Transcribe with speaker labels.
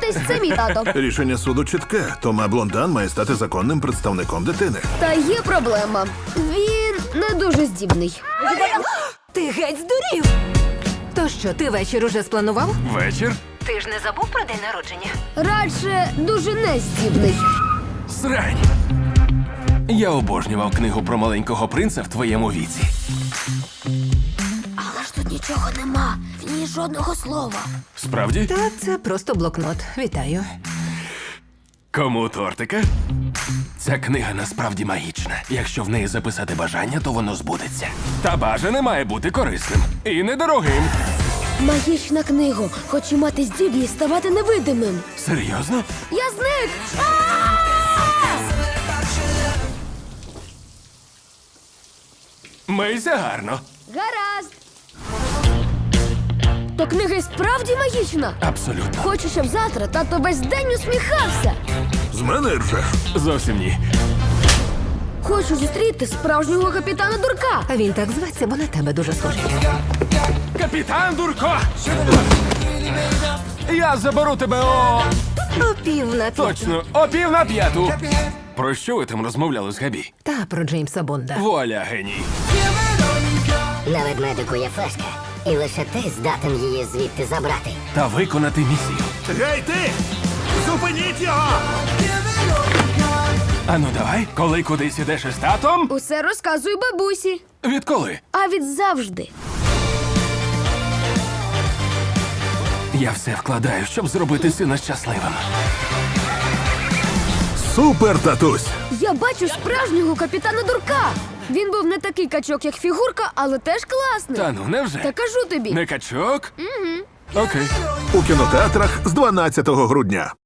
Speaker 1: Погодьтесь, це мій тато.
Speaker 2: Рішення суду чітке. Тома Блондан має стати законним представником дитини.
Speaker 1: Та є проблема. Він не дуже здібний.
Speaker 3: Ти геть здурів! То що, ти вечір уже спланував?
Speaker 4: Вечір?
Speaker 3: Ти ж не забув про день народження?
Speaker 1: Радше дуже нездібний.
Speaker 4: Срань. Я обожнював книгу про маленького принца в твоєму віці.
Speaker 1: Але ж тут нічого нема. В ній жодного слова.
Speaker 4: Справді?
Speaker 3: Та це просто блокнот. Вітаю.
Speaker 4: Кому тортика? Ця книга насправді магічна. Якщо в неї записати бажання, то воно збудеться. Та бажане має бути корисним і недорогим.
Speaker 1: Магічна книга. Хочу мати здібність ставати невидимим.
Speaker 4: Серйозно?
Speaker 1: Я зник!
Speaker 4: Мийся гарно.
Speaker 1: Гаразд. То книга і справді магічна.
Speaker 4: Абсолютно.
Speaker 1: Хочу, щоб завтра тато весь день усміхався.
Speaker 2: З мене ржеш.
Speaker 4: Зовсім ні.
Speaker 1: Хочу зустріти справжнього капітана Дурка.
Speaker 3: А він так зветься, бо на тебе дуже схожий.
Speaker 4: Капітан Дурко! Я заберу тебе о...
Speaker 3: О 4:30.
Speaker 4: Точно, о 4:45. Про що ви там розмовляли з Габі?
Speaker 3: Та про Джеймса Бонда.
Speaker 4: Вуаля, геній.
Speaker 5: На ведмедику є флешка, і лише ти здатен її звідти забрати.
Speaker 4: Та виконати місію.
Speaker 2: Гей, ти! Зупиніть його!
Speaker 4: Ану давай, коли кудись ідеш із татом?
Speaker 1: Усе розказую бабусі.
Speaker 4: Відколи?
Speaker 1: А від завжди.
Speaker 4: Я все вкладаю, щоб зробити сина щасливим.
Speaker 2: Супер, татусь!
Speaker 1: Я бачу справжнього капітана Дурка. Він був не такий качок, як фігурка, але теж класний.
Speaker 4: Та ну, невже?
Speaker 1: Та кажу тобі.
Speaker 4: Не качок? Угу. Окей.
Speaker 2: У кінотеатрах з 12 грудня.